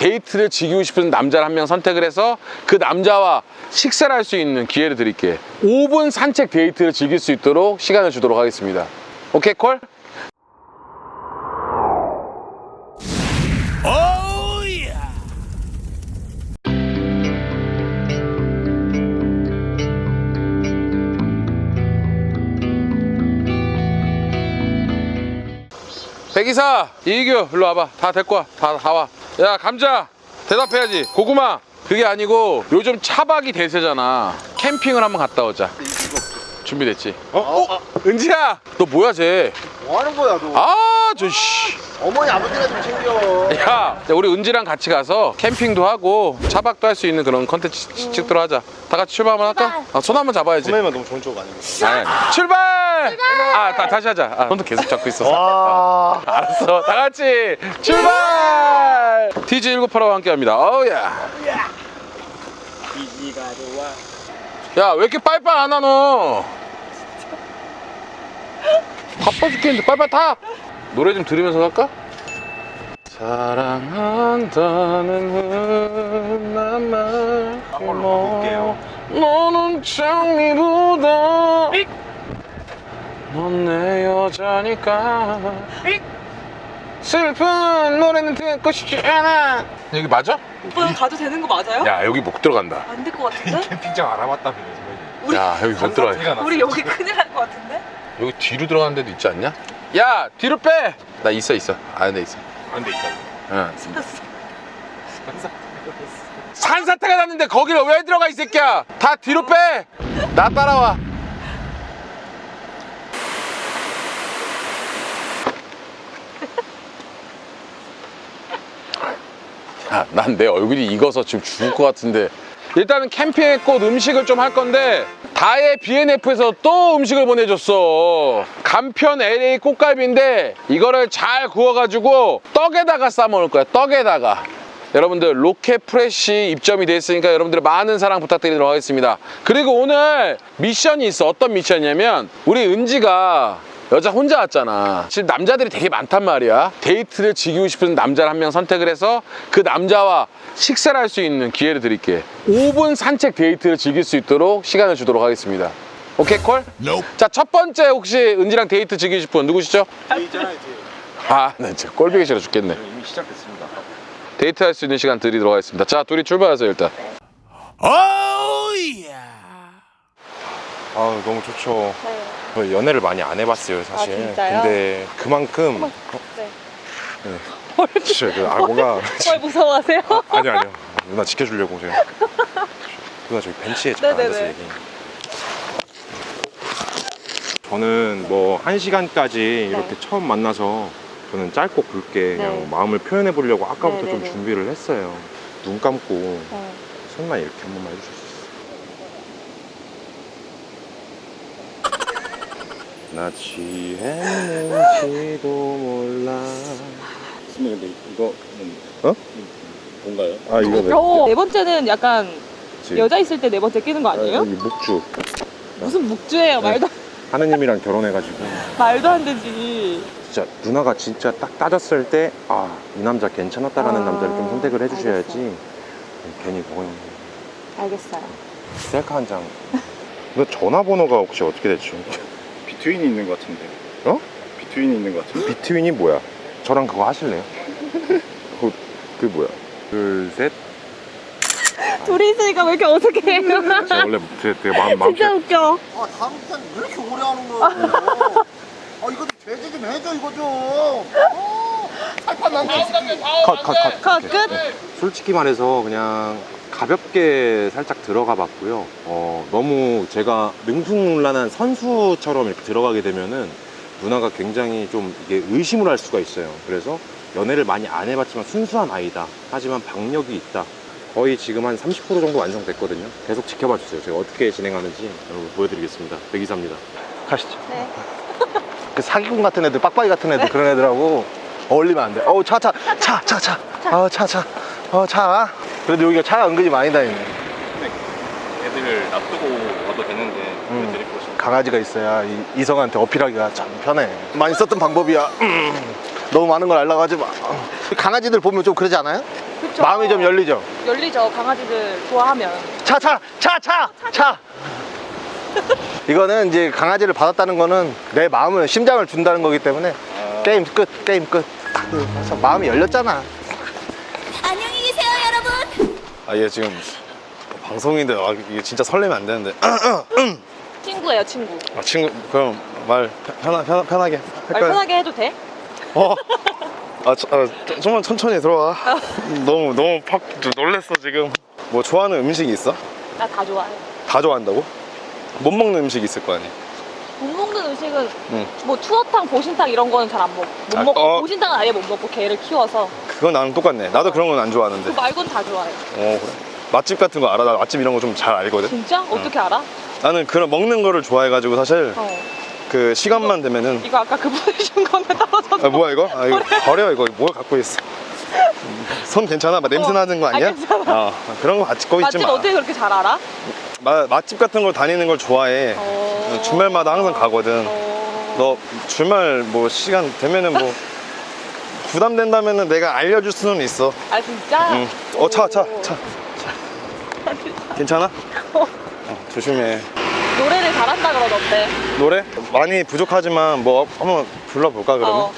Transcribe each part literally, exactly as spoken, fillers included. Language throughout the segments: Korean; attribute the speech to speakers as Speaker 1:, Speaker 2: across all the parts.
Speaker 1: 데이트를 즐기고 싶은 남자를 한 명 선택을 해서 그 남자와 식사를 할 수 있는 기회를 드릴게. 오 분 산책 데이트를 즐길 수 있도록 시간을 주도록 하겠습니다. 오케이 콜? 백이사, 이희규, 일로 와봐. 다 데리고 와. 다, 다 와. 야, 감자, 대답해야지. 고구마. 그게 아니고 요즘 차박이 대세잖아. 캠핑을 한번 갔다 오자. 준비됐지? 어? 어? 은지야! 너 뭐야, 쟤?
Speaker 2: 뭐 하는 거야, 너?
Speaker 1: 아, 저, 씨.
Speaker 2: 어머니, 아버지가 좀 챙겨.
Speaker 1: 야, 우리 은지랑 같이 가서 캠핑도 하고 차박도 할 수 있는 그런 컨텐츠 음. 찍도록 하자. 다 같이 출발 한번 할까? 아, 손 한번 잡아야지.
Speaker 2: 선배님은 너무 좋은 쪽 아니에요?
Speaker 1: 아니, 출발! 출발! 아, 다, 다시 하자. 아, 손도 계속 잡고 있었어.
Speaker 2: 와.
Speaker 1: 아, 알았어. 다 같이 출발! 티지 일구팔오와 함께 합니다. 어우야.
Speaker 2: 이지가 좋아.
Speaker 1: 야, 왜 이렇게 빨빨 안 하노? 바빠 죽겠는데 빨빨 타! 노래 좀 들으면서 갈까? 사랑한다는 흔한 말
Speaker 2: 한번 볼게요.
Speaker 1: 너는 장미보다 넌 내 여자니까 슬픈 노래는 듣고 싶지 않아. 여기 맞아?
Speaker 3: 오빠 가도 되는 거 맞아요?
Speaker 1: 야, 여기 못 들어간다.
Speaker 3: 안 될 것 같은데?
Speaker 2: 캠핑장 알아봤다면서.
Speaker 3: 우리,
Speaker 1: 야, 여기 못 들어가.
Speaker 3: 우리 여기 큰일 날 것 같은데?
Speaker 1: 여기 뒤로 들어가는 데도 있지 않냐? 야, 뒤로 빼! 나 있어 있어. 아는 데 있어.
Speaker 2: 안 돼, 있다.
Speaker 1: 응. 산사태가 났는데 거기를 왜 들어가, 이 새끼야? 다 뒤로 빼! 나 따라와. 야, 난 내 얼굴이 익어서 지금 죽을 것 같은데. 일단은 캠핑의 꽃 음식을 좀 할 건데 다의 비엔에프에서 또 음식을 보내줬어. 간편 엘에이 꽃갈비인데 이거를 잘 구워가지고 떡에다가 싸 먹을 거야. 떡에다가. 여러분들 로켓 프레쉬 입점이 됐으니까 여러분들의 많은 사랑 부탁드리도록 하겠습니다. 그리고 오늘 미션이 있어. 어떤 미션이냐면 우리 은지가 여자 혼자 왔잖아. 지금 남자들이 되게 많단 말이야. 데이트를 즐기고 싶은 남자를 한 명 선택을 해서 그 남자와 식사를 할 수 있는 기회를 드릴게. 오 분 산책 데이트를 즐길 수 있도록 시간을 주도록 하겠습니다. 오케이 콜? Nope. 자, 첫 번째 혹시 은지랑 데이트 즐기실 분 누구시죠?
Speaker 2: 있잖아요, 이제.
Speaker 1: 아, 나 진짜 꼴보기 싫어 죽겠네.
Speaker 2: 이미 시작됐습니다.
Speaker 1: 데이트 할 수 있는 시간 드리도록 하겠습니다. 자, 둘이 출발하세요 일단.
Speaker 4: 아 너무 좋죠.
Speaker 3: 네.
Speaker 4: 저 연애를 많이 안 해봤어요 사실.
Speaker 3: 아, 진짜요?
Speaker 4: 근데 그만큼
Speaker 3: 어머, 네.
Speaker 4: 네. 진짜 그 악어가
Speaker 3: 뭘 무서워하세요?
Speaker 4: 아, 아니 아니요 누나 지켜주려고 제가 누나 저기 벤치에 잠깐
Speaker 3: 네네네.
Speaker 4: 앉아서 얘기. 저는 뭐 한 시간까지 이렇게
Speaker 3: 네.
Speaker 4: 처음 만나서 저는 짧고 굵게 그냥
Speaker 3: 네.
Speaker 4: 마음을 표현해 보려고 아까부터 좀
Speaker 3: 네네네.
Speaker 4: 준비를 했어요. 눈 감고
Speaker 3: 네.
Speaker 4: 손만 이렇게 한 번만 해주실 수 있어요? 나 취했는지도 몰라.
Speaker 2: 선배님, 근데 이거
Speaker 4: 어?
Speaker 2: 뭔가요?
Speaker 4: 아 이거 왜?
Speaker 3: 어, 네 번째는 약간
Speaker 4: 그치?
Speaker 3: 여자 있을 때 네 번째 끼는 거 아니에요?
Speaker 4: 여기 묵주.
Speaker 3: 무슨 묵주예요?
Speaker 4: 네.
Speaker 3: 말도,
Speaker 4: 하느님이랑 결혼해가지고
Speaker 3: 말도 안 되지.
Speaker 4: 진짜 누나가 진짜 딱 따졌을 때 아 이 남자 괜찮았다라는
Speaker 3: 아,
Speaker 4: 남자를 좀 선택을 해주셔야지.
Speaker 3: 알겠어요.
Speaker 4: 괜히 거기
Speaker 3: 알겠어요.
Speaker 4: 셀카 한 장. 너 전화번호가 혹시 어떻게 되죠?
Speaker 2: 비트윈이 있는 것 같은데.
Speaker 4: 어?
Speaker 2: 비트윈이 있는 것 같은데.
Speaker 4: 비트윈이 뭐야? 저랑 그거 하실래요? 그, 그 뭐야? 둘, 셋.
Speaker 3: 둘이 있으니까 왜 이렇게 어색해요?
Speaker 4: 제가 원래 되게, 되게 마음 마음
Speaker 3: 진짜 웃겨.
Speaker 2: 아, 다음 시간 왜 이렇게 오래 하는 거야? 아, 이거 제재 좀 해줘, 이거 좀. 어, 살판 난다.
Speaker 4: 컷, 컷, 컷.
Speaker 3: 컷,
Speaker 4: 오케이.
Speaker 3: 끝?
Speaker 4: 네. 솔직히 말해서 그냥 가볍게 살짝 들어가 봤고요. 어, 너무 제가 능숙난한 선수처럼 이렇게 들어가게 되면은 누나가 굉장히 좀 이게 의심을 할 수가 있어요. 그래서 연애를 많이 안 해봤지만 순수한 아이다. 하지만 박력이 있다. 거의 지금 한 삼십 퍼센트 정도 완성됐거든요. 계속 지켜봐 주세요. 제가 어떻게 진행하는지 여러분 보여드리겠습니다. 백이사입니다. 가시죠.
Speaker 3: 네.
Speaker 2: 그 사기꾼 같은 애들, 빡빡이 같은 애들, 그런 애들하고 어울리면 안 돼. 어우, 차, 차, 차, 차, 차. 어, 차, 차. 어, 차. 그래도 여기가 차가 은근히 많이 다니네.
Speaker 4: 애들 놔두고 와도 되는데
Speaker 2: 음.
Speaker 4: 데리고 오시면
Speaker 2: 강아지가 있어야 이, 이성한테 어필하기가 참 편해. 많이 썼던 방법이야. 음. 너무 많은 걸 알려고 하지 마. 강아지들 보면 좀 그러지 않아요?
Speaker 3: 그쵸?
Speaker 2: 마음이 좀 열리죠?
Speaker 3: 열리죠. 강아지들 좋아하면.
Speaker 2: 차, 차, 차, 차, 차. 이거는 이제 강아지를 받았다는 거는 내 마음을, 심장을 준다는 거기 때문에 게임 끝, 게임 끝. 그래서 마음이 열렸잖아.
Speaker 5: 안녕히 계세요, 여러분.
Speaker 6: 아, 얘 지금 방송인데 아, 이게 진짜 설레면 안 되는데.
Speaker 3: 친구예요, 친구.
Speaker 6: 아, 친구 그럼 말 편하, 편, 편하게
Speaker 3: 말
Speaker 6: 할까요?
Speaker 3: 편하게 해도 돼?
Speaker 6: 어. 아, 저, 아, 좀- 좀만 천천히 들어와. 너무 너무 팍 놀랬어 지금. 뭐 좋아하는 음식이 있어?
Speaker 3: 나 다 좋아해.
Speaker 6: 다 좋아한다고? 못 먹는 음식 있을 거 아니야?
Speaker 3: 못 먹는 음식은
Speaker 6: 응.
Speaker 3: 뭐 투어탕, 보신탕 이런 거는 잘 안 먹. 못
Speaker 6: 아,
Speaker 3: 먹고
Speaker 6: 어.
Speaker 3: 보신탕은 아예 못 먹고 개를 키워서.
Speaker 6: 그건 나랑 똑같네. 나도 그런 건 안 좋아하는데.
Speaker 3: 그 말고는 다 좋아해.
Speaker 6: 어, 그래. 맛집 같은 거 알아? 나 맛집 이런 거 좀 잘 알거든.
Speaker 3: 진짜? 어떻게 알아?
Speaker 6: 나는 그런 먹는 거를 좋아해가지고 사실
Speaker 3: 어.
Speaker 6: 그 시간만 되면은
Speaker 3: 이거 아까 그 보내준 거는 떨어졌어.
Speaker 6: 아, 뭐야 이거? 아, 이거 버려 이거 뭘 갖고 있어? 손 괜찮아? 막 냄새
Speaker 3: 어.
Speaker 6: 나는 거 아니야?
Speaker 3: 아, 괜찮아.
Speaker 6: 어, 그런 거 갖고 있지
Speaker 3: 맛집
Speaker 6: 마.
Speaker 3: 어떻게 그렇게 잘 알아?
Speaker 6: 마, 맛집 같은 걸 다니는 걸 좋아해.
Speaker 3: 어.
Speaker 6: 주말마다 항상 가거든.
Speaker 3: 어.
Speaker 6: 너 주말 뭐 시간 되면은 뭐 부담된다면은 내가 알려줄 수는 있어.
Speaker 3: 아 진짜?
Speaker 6: 응. 어, 차, 차,
Speaker 3: 오.
Speaker 6: 차. 괜찮아? 어, 조심해.
Speaker 3: 노래를 잘한다 그러던데.
Speaker 6: 노래? 많이 부족하지만 뭐 한번 불러볼까 그러면?
Speaker 3: 어.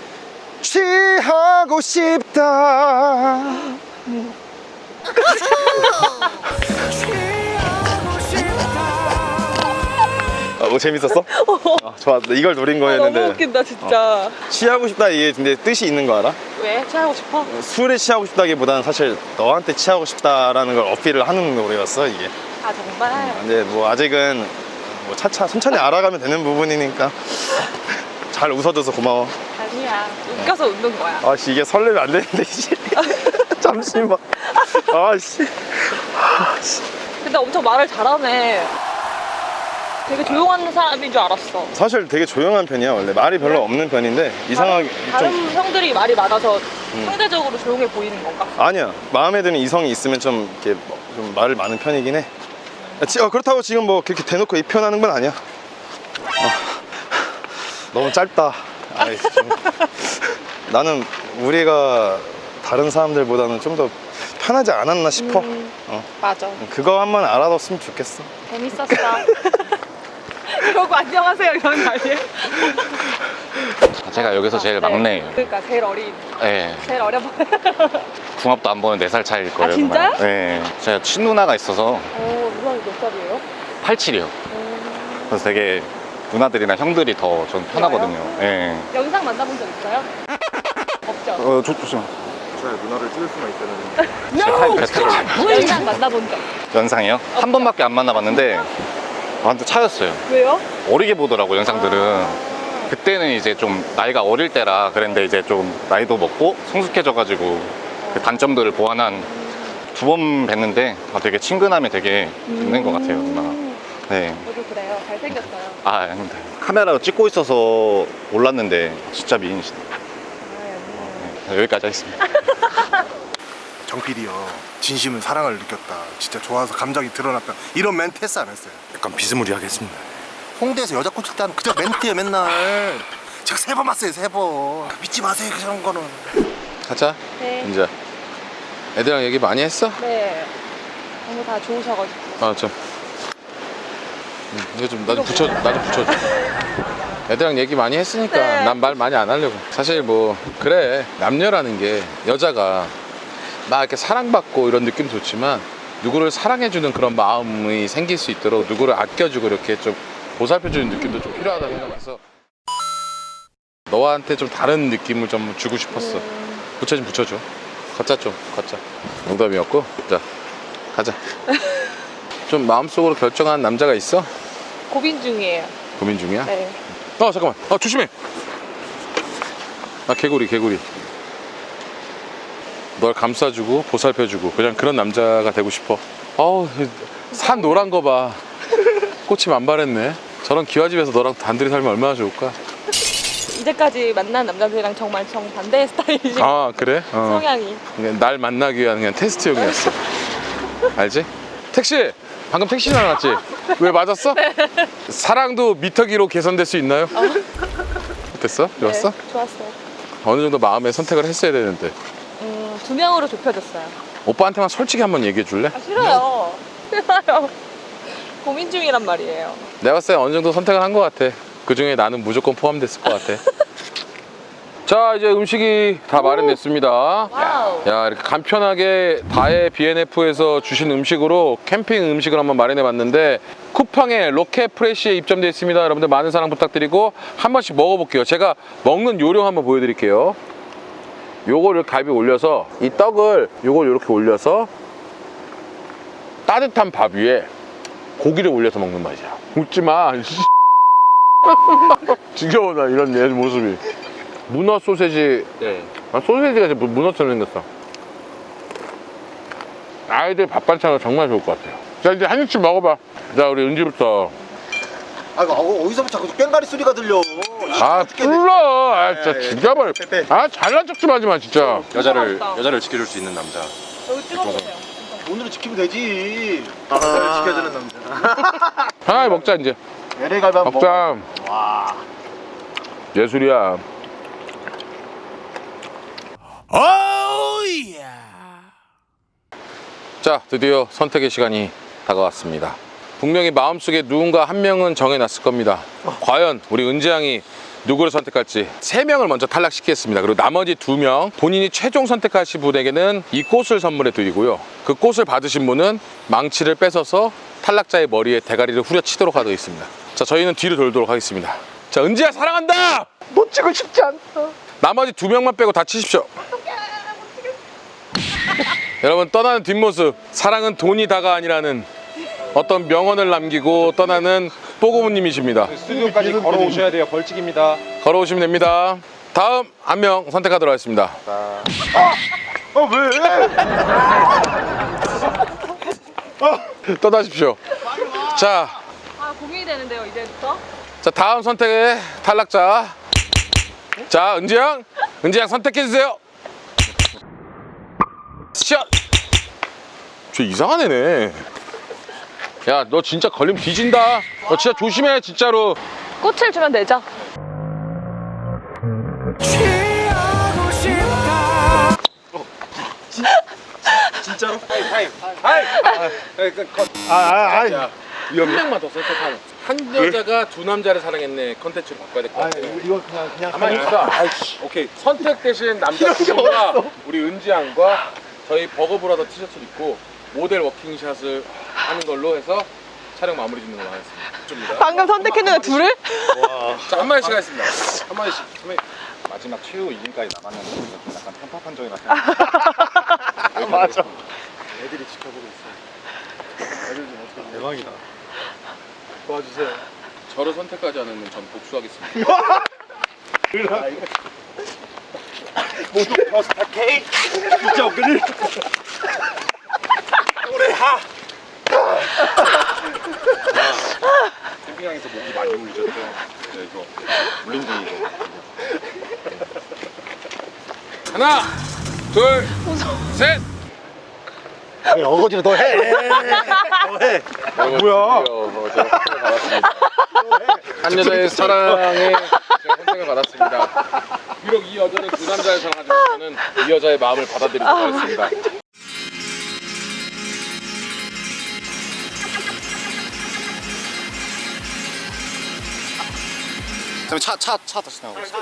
Speaker 6: 취하고 싶다. 아, 뭐 재밌었어? 아, 좋아. 이걸 노린
Speaker 3: 아,
Speaker 6: 거였는데.
Speaker 3: 너무 웃긴다 진짜.
Speaker 6: 취하고 싶다 이게 근데 뜻이 있는 거 알아?
Speaker 3: 왜? 취하고 싶어?
Speaker 6: 술에 취하고 싶다기보다는 사실 너한테 취하고 싶다라는 걸 어필을 하는 노래였어 이게.
Speaker 3: 아 정말?
Speaker 6: 근데 뭐 아직은 뭐 차차 천천히 알아가면 되는 부분이니까 잘 웃어줘서 고마워.
Speaker 3: 아니야. 웃겨서 웃는 거야.
Speaker 6: 아씨 이게 설레면 안 되는데 씨. 잠시만. 아씨.
Speaker 3: 근데 엄청 말을 잘하네. 되게 조용한 사람인 줄 알았어.
Speaker 6: 사실 되게 조용한 편이야 원래 말이 별로 없는 편인데 이상하게
Speaker 3: 다른
Speaker 6: 좀
Speaker 3: 형들이 말이 많아서 상대적으로 조용해 보이는 건가?
Speaker 6: 아니야 마음에 드는 이성이 있으면 좀 이렇게 뭐좀 말을 많은 편이긴 해. 아, 지- 어, 그렇다고 지금 뭐 그렇게 대놓고 이 표현하는 건 아니야. 어. 너무 짧다. 아이, 좀. 나는 우리가 다른 사람들보다는 좀 더 편하지 않았나 싶어.
Speaker 3: 음,
Speaker 6: 어.
Speaker 3: 맞아.
Speaker 6: 그거 한번 알아뒀으면 좋겠어.
Speaker 3: 재밌었어. 이러고 안녕하세요 이런 거 아니에요?
Speaker 1: 제가 여기서 제일
Speaker 3: 네.
Speaker 1: 막내예요.
Speaker 3: 그러니까 제일 어린,
Speaker 1: 네.
Speaker 3: 제일 어려 보여.
Speaker 1: 궁합도 안 보는 네 살 차이일 거예요.
Speaker 3: 아, 진짜요?
Speaker 1: 그만. 네. 제가 친누나가 있어서
Speaker 3: 어, 누나 몇 살이에요?
Speaker 1: 팔십칠이요. 그래서 되게 누나들이나 형들이 더 전 편하거든요. 네.
Speaker 3: 영상 만나본 적 있어요? 없죠?
Speaker 1: 어, 좋, 좋죠.
Speaker 6: 제가 누나를 찍을 수만 있다는.
Speaker 3: 영상 만나본 적
Speaker 1: 연상이요? 한 번밖에 안 만나봤는데 완전 차였어요.
Speaker 3: 왜요?
Speaker 1: 어리게 보더라고 영상들은. 그때는 이제 좀 나이가 어릴 때라 그랬는데 이제 좀 나이도 먹고 성숙해져가지고 그 단점들을 보완한 두 번 뵀는데 아, 되게 친근함이 되게 있는 것 같아요 누나가. 네.
Speaker 3: 저도 그래요. 잘생겼어요.
Speaker 1: 아 아닙니다. 카메라로 찍고 있어서 몰랐는데 진짜 미인이시다.
Speaker 3: 아,
Speaker 1: 네, 여기까지 하겠습니다.
Speaker 2: 정 피디요. 진심은 사랑을 느꼈다. 진짜 좋아서 감정이 드러났다. 이런 멘트 했어 안 했어요?
Speaker 6: 약간 비스무리하게 했습니다.
Speaker 2: 홍대에서 여자 꼬칠 때는 그저 멘트예요 맨날. 제가 세 번 봤어요 세 번. 믿지 마세요 그런 거는.
Speaker 1: 가자.
Speaker 3: 네.
Speaker 1: 이제 애들이랑 얘기 많이 했어?
Speaker 3: 네. 너무 다 좋으셔가지고.
Speaker 1: 아 좀. 음, 이거 좀 나 좀 붙여 나 좀 붙여줘. 애들이랑 얘기 많이 했으니까
Speaker 3: 네.
Speaker 1: 난 말 많이 안 하려고. 사실 뭐 그래 남녀라는 게 여자가 막 이렇게 사랑받고 이런 느낌 좋지만 누구를 사랑해주는 그런 마음이 생길 수 있도록 누구를 아껴주고 이렇게 좀 보살펴주는 느낌도 좀 필요하다 생각해서 너한테 좀 다른 느낌을 좀 주고 싶었어. 붙여 좀 붙여줘. 걷자 좀 걷자. 농담이었고 자 가자. 좀 마음속으로 결정한 남자가 있어?
Speaker 3: 고민 중이에요.
Speaker 1: 고민 중이야?
Speaker 3: 네.
Speaker 1: 어 잠깐만 아 조심해. 아 개구리 개구리. 널 감싸주고 보살펴주고 그냥 그런 남자가 되고 싶어. 어우 산 노란 거 봐. 꽃이 만발했네. 저런 기와집에서 너랑 단둘이 살면 얼마나 좋을까.
Speaker 3: 이제까지 만난 남자들이랑 정말 정반대의 스타일이신
Speaker 1: 아 그래? 어.
Speaker 3: 성향이.
Speaker 1: 그냥 날 만나기 위한 그냥 테스트용이었어. 알지? 택시! 방금 택시 나왔지? 왜 맞았어? 사랑도 미터기로 개선될 수 있나요? 어땠어? 좋았어?
Speaker 3: 네, 좋았어요.
Speaker 1: 어느 정도 마음에 선택을 했어야 되는데.
Speaker 3: 음, 두 명으로 좁혀졌어요.
Speaker 1: 오빠한테만 솔직히 한번 얘기해 줄래?
Speaker 3: 아, 싫어요. 싫어요. 고민 중이란 말이에요.
Speaker 1: 내가 봤을 때 어느 정도 선택을 한 것 같아. 그 중에 나는 무조건 포함됐을 것 같아. 자, 이제 음식이 다 마련됐습니다.
Speaker 3: 와우.
Speaker 1: 야, 이렇게 간편하게 다해 비엔에프에서 주신 음식으로 캠핑 음식을 한번 마련해 봤는데 쿠팡에 로켓 프레시에 입점되어 있습니다. 여러분들 많은 사랑 부탁드리고 한 번씩 먹어볼게요. 제가 먹는 요령 한번 보여드릴게요. 요거를 갈비 올려서 이 떡을 요걸 이렇게 올려서 따뜻한 밥 위에 고기를 올려서 먹는 맛이야. 웃지마. 지겨워 나 이런 내 모습이. 문어 소세지.
Speaker 4: 네.
Speaker 1: 아, 소세지가 지금 문어처럼 생겼어. 아이들 밥 반찬으로 정말 좋을 것 같아요. 자, 이제 한 입씩 먹어봐. 자, 우리 은지부터.
Speaker 2: 아 이거 어디서부터 자꾸 꽹가리 소리가 들려.
Speaker 1: 아, 불러. 아, 진짜 죽여버려. 아, 잘난 척 좀 하지 마, 진짜.
Speaker 4: 여자를
Speaker 3: 맛있다.
Speaker 4: 여자를 지켜줄 수 있는 남자.
Speaker 3: 여기 찍어보세요.
Speaker 2: 오늘은 지키면 되지. 오늘은 지켜주는 남자.
Speaker 1: 하나 먹자, 이제.
Speaker 2: 엘에이 갈비 한번
Speaker 1: 먹자.
Speaker 2: 먹어. 와.
Speaker 1: 예술이야. 자, 드디어 선택의 시간이 다가왔습니다. 분명히 마음속에 누군가 한 명은 정해놨을 겁니다. 과연 우리 은지 양이 누구를 선택할지 세 명을 먼저 탈락시키겠습니다. 그리고 나머지 두 명 본인이 최종 선택하신 분에게는 이 꽃을 선물해 드리고요. 그 꽃을 받으신 분은 망치를 뺏어서 탈락자의 머리에 대가리를 후려치도록 하도록 있습니다. 자, 저희는 뒤로 돌도록 하겠습니다. 자, 은지야 사랑한다!
Speaker 2: 놓치고 싶지 않다.
Speaker 1: 나머지 두 명만 빼고 다 치십시오. 여러분, 떠나는 뒷모습, 사랑은 돈이 다가 아니라는 어떤 명언을 남기고 떠나는 뽀고무님이십니다.
Speaker 4: 스튜디오까지 걸어오셔야 돼요. 벌칙입니다.
Speaker 1: 걸어오시면 됩니다. 다음 한 명 선택하도록 하겠습니다.
Speaker 2: 어 왜?
Speaker 1: 떠나십시오. 자,
Speaker 3: 아, 고민이 되는데요, 이제부터?
Speaker 1: 자, 다음 선택의 탈락자. 자, 은지양, 은지양 선택해주세요. 샷! 쟤 이상한 애네. 야, 너 진짜 걸리면 뒤진다. 너 진짜 조심해, 진짜로.
Speaker 3: 꽃을 주면 되죠?
Speaker 6: 진짜로?
Speaker 2: 아아 아.
Speaker 1: 야, 한 명만 더 선택하는. 한 여자가 두 남자를 사랑했네 컨텐츠로 바꿔야 될 것 같아.
Speaker 2: 이거 그냥 그냥
Speaker 1: 가만히 있어. 아이씨. 오케이. 선택되신 남자 두 분과 우리 은지 양과 저희 버거브라더 티셔츠를 입고 모델 워킹샷을 하는 걸로 해서 촬영 마무리 짓는 걸로 하겠습니다.
Speaker 3: 방금 선택했는데 둘을?
Speaker 1: 자, 한 마디씩 하겠습니다. 한 마디씩.
Speaker 6: 마지막 최후 이 인까지 남았는데 좀 약간 편파 판정이 났어.
Speaker 2: 맞아.
Speaker 6: 애들이 지켜보고 있어. 애들 좀 어떻게 대박이다.
Speaker 1: 도와주세요. 저를 선택하지 않으면 전 복수하겠습니다.
Speaker 2: 모두 버스타 케이크. 진짜 없거든.
Speaker 6: 그래 하. 캠핑장에서 목이 많이 물리셨죠? 네, 이거 물린 중이고.
Speaker 1: 하나, 둘, 셋.
Speaker 2: 아니, 어거지로 더 해. 더 해.
Speaker 1: 뭐야? 제가 선택을 받았습니다. 한 여자의 사랑에 제가 선택을 받았습니다. 비록 이 여자는 두 남자를 사랑하지만 저는 이 여자의 마음을 받아들이도록 하겠습니다.
Speaker 6: 차, 차, 차 다시 나오고 있어.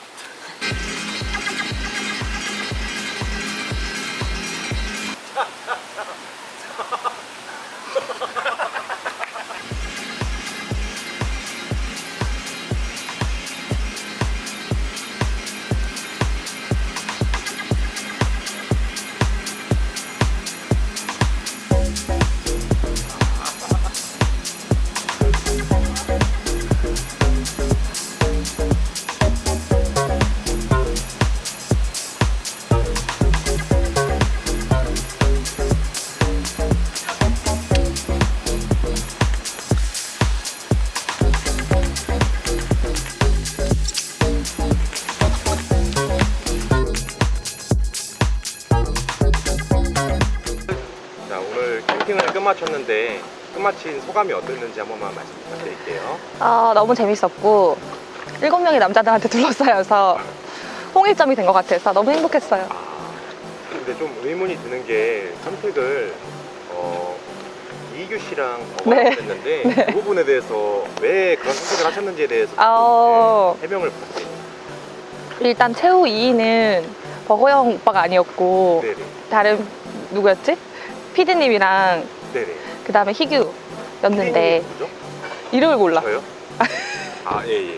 Speaker 6: 자, 오늘 캠핑을 끝마쳤는데 끝마친 소감이 어땠는지 한 번만 말씀 부탁드릴게요.
Speaker 3: 아, 너무 재밌었고 일곱 명의 남자들한테 둘러싸여서 통일점이 된 것 같아서 너무 행복했어요.
Speaker 4: 근데 좀 의문이 드는 게 선택을 어, 이규 씨랑
Speaker 3: 네.
Speaker 4: 저가 했는데 그 부분에 대해서 왜 그런 선택을 하셨는지에 대해서
Speaker 3: 아,
Speaker 4: 네, 해명을 부탁드립니다.
Speaker 3: 일단 최후 이 위는 버거영 오빠가 아니었고
Speaker 4: 네네.
Speaker 3: 다른 누구였지? 피디님이랑
Speaker 4: 네네.
Speaker 3: 그 다음에 희규였는데
Speaker 4: 누구죠?
Speaker 3: 이름을 몰라.
Speaker 4: 저요? 아, 예, 예.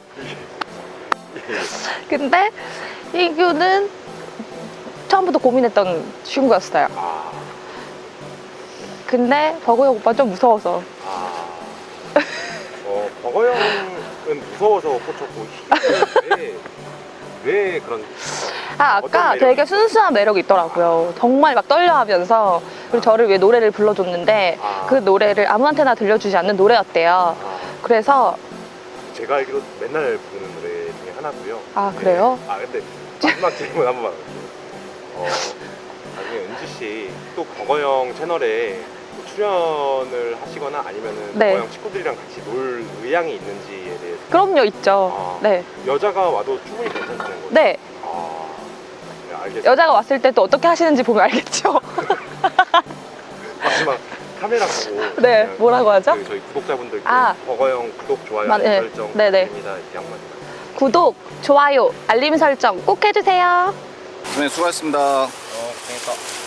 Speaker 3: 근데 희규는 처음부터 고민했던 친구였어요.
Speaker 4: 아,
Speaker 3: 근데 버거영 오빠 좀 무서워서.
Speaker 4: 아. 어, 버거영은 무서워서 꽂혔고, 왜, 왜 그런.
Speaker 3: 아,
Speaker 4: 어떤
Speaker 3: 아까
Speaker 4: 매력이
Speaker 3: 되게 순수한 매력이 있더라고요. 정말 막 떨려 하면서. 그리고 저를 위해 노래를 불러줬는데
Speaker 4: 아.
Speaker 3: 그 노래를 아무한테나 들려주지 않는 노래였대요.
Speaker 4: 아,
Speaker 3: 그래서,
Speaker 4: 제가 알기로 맨날 부르는 노래 중에 하나고요.
Speaker 3: 아, 그래요?
Speaker 4: 네. 아, 근데 마지막 질문 한 번만. 어, 나중에 은지 씨 또 버거영 채널에 또 출연을 하시거나 아니면은
Speaker 3: 네.
Speaker 4: 버거영 친구들이랑 같이 놀 의향이 있는지에 대해서.
Speaker 3: 그럼요, 있죠.
Speaker 4: 아.
Speaker 3: 네.
Speaker 4: 여자가 와도 충분히 괜찮다는 거죠?
Speaker 3: 네.
Speaker 4: 아, 네, 알겠습니다.
Speaker 3: 여자가 왔을 때 또 어떻게 하시는지 보면 알겠죠.
Speaker 4: 마지막 카메라 보고.
Speaker 3: 네,
Speaker 4: 그냥
Speaker 3: 뭐라고 하죠?
Speaker 4: 그 저희 구독자분들께
Speaker 3: 아.
Speaker 4: 버거영 구독, 좋아요,
Speaker 3: 마-
Speaker 4: 알림
Speaker 3: 네.
Speaker 4: 설정
Speaker 3: 네, 네.
Speaker 4: 부탁드립니다. 이렇게 한마디.
Speaker 3: 구독, 좋아요, 알림 설정 꼭 해주세요.
Speaker 6: 네, 수고하셨습니다.
Speaker 4: 어, 고생했어.